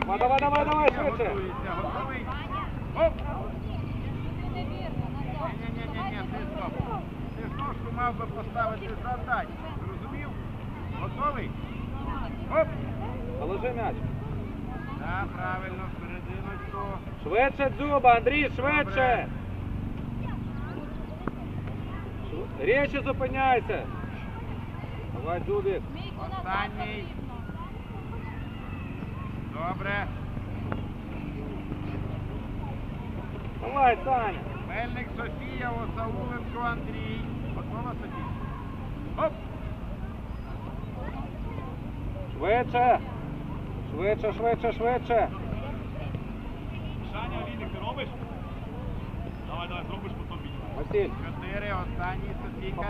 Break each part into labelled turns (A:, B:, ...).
A: Давай, швидше.
B: Готовий. Оп! Ні, ти стоп. Ти ж ножку мав би поставити задать. Зрозумів? Готовий? Оп!
A: Положи м'яч.
B: Так, правильно, всерединочку.
A: Швидше Дзюба, Андрій, швидше. Речі зупиняйся. Давай, Дзюбік.
B: Останній. Добре.
A: Давай, Саня.
B: Мельник Софія, Осауленко Андрій. Готова, Софія? Оп!
A: Швидше. Швидше.
C: Саня, Лідик, ти робиш? Давай, зробиш потім бій.
A: Василь.
B: 4, останній, Софійка.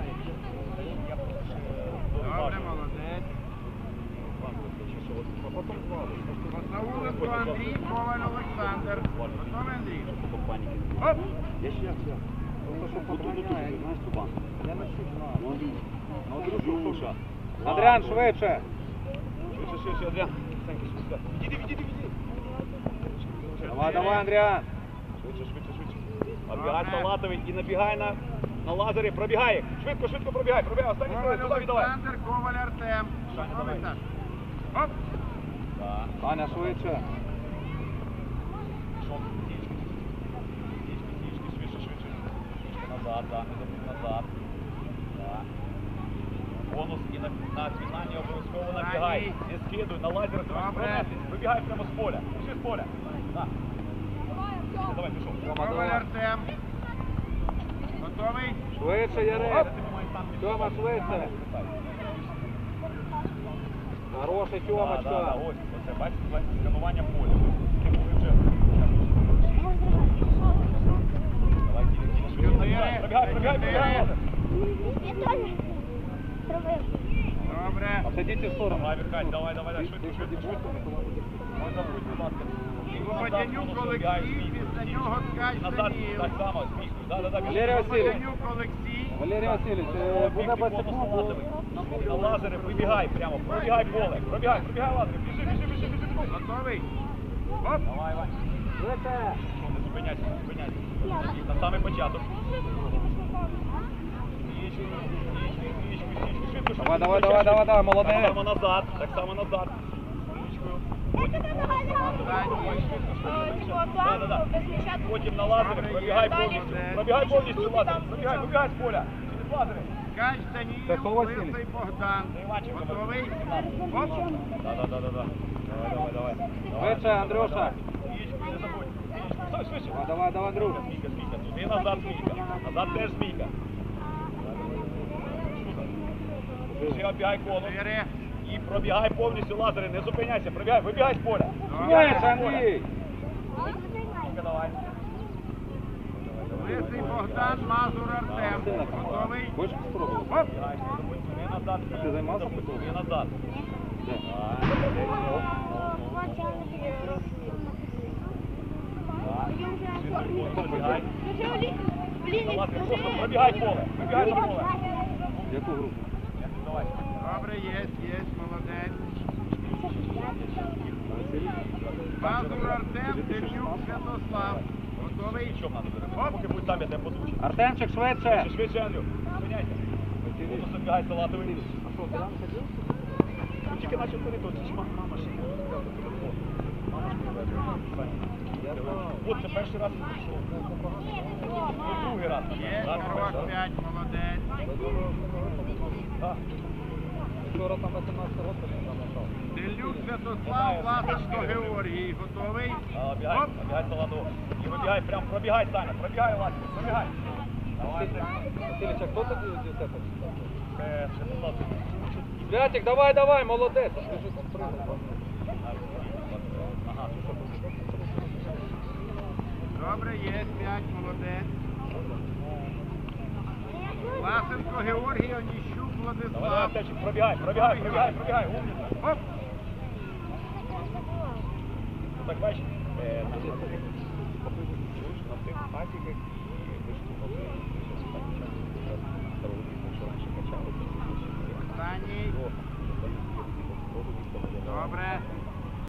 B: Добре, молодець. Осауленко Андрій, Коваль Олександр. Готовий, Андрій? Оп!
A: Я ще. Андріан, швидше.
C: Швидше, Адріан. Відійди.
A: Давай, Андріан.
C: Швидше. Оббігай Салатовий і набігай на лазері, пробігай їх. Швидко пробігай. Останній
B: Коваль
C: стрій, туди віддавай.
B: Олександр, Коваль Артем. Готовий, так? Оп!
A: Саня, швидше.
C: Швидше. Назад. Бонус і на фіналі обов'язково набігай. Не скидуй, на лазер.
B: Добре.
C: Вибігай прямо з поля. Пішли з поля. Давай, пішов.
B: Коваль Артем. Готовий?
A: Швидше, Ярик. Тьома, швидше. Хороший Тьомочка.
C: Ось, оце, бачите, сканування поля. Давай, Киля. Пробігай.
B: Добре.
A: Обсадіть в сторону.
C: Давай, Віркать, давай, швидко. Не забудь, будь ласка.
B: Водянюк Олексій, після нього ткач
C: Назад,
B: Даніл.
C: так само, збіг.
A: Валерій Васильович.
B: Водянюк Олексій.
A: Валерій Васильович, буде без секунду.
C: На лазери вибігай прямо, пробігай поле. Пробігай лазери, біжи.
B: Готовий? Оп!
C: Давай, Вань.
A: Швидше.
C: Не зупиняйся. На самий початок. Швидко.
A: Давай, молодець.
C: Так само назад. Потім на лазери, пробігай повністю лазер. Пробігай з поля. Через лазери.
B: Ткач Даніл, Лисий Богдан. Готовий? Оп!
C: Да. Давай.
A: Швидше, Андрюша.
C: Яєчко, не забудь. Швидше.
A: Давай, Андрюш.
C: Змійка. Туди назад змійка. Назад теж змійка. Ще оббігай коло.
B: 4.
C: І пробігай повністю лазери. Не зупиняйся. Вибігай з поля.
A: Швидше, Андрій.
C: Давай.
B: Лисий Богдан, Мазур Артем. Готовий?
A: Хочеш спробувати?
B: Оп!
C: Туди назад.
A: Ти займався
C: Туди
A: футболом?
C: назад. Пробігай. Просто пробігай поле. Пробігай на поле.
A: Яку групу?
C: Давай.
B: Добре, є, молодець. Мазур Артем, Дем'юк Святослав. Готовий?
C: Що надо беремо? Поки будь там, я тебе позвучу.
A: Артемчик, швидше.
C: Швидше, Андрю. Зупиняйся. Воно забігай Салатовий. Ну, тільки начав ходити, от ж мама ще не розмовляла по телефону. Мама ж от це перший раз прийшов. Другий раз.
B: Є, Карвак 5, молодець.
A: Вчора там 18 років не набрав.
B: Делюк Святослав, Власенко Георгій. Готовий?
C: Обігай Салатову. І вибігай, прям пробігай, Саня. Пробігай, Ласик, пробігай. Давай,
A: Васильович, а хто тобі у тебе?
C: Це Святослав.
A: Святик, давай, молодець.
C: Ага,
B: Добре, є, 5, молодець. Власенко Георгій, Оніщук
C: давай,
B: Владислав.
C: Артемчик, пробігай, умніця. Так, бачиш, на цих пасіках і виштовхнули, що раніше качали.
B: Останній. Добре.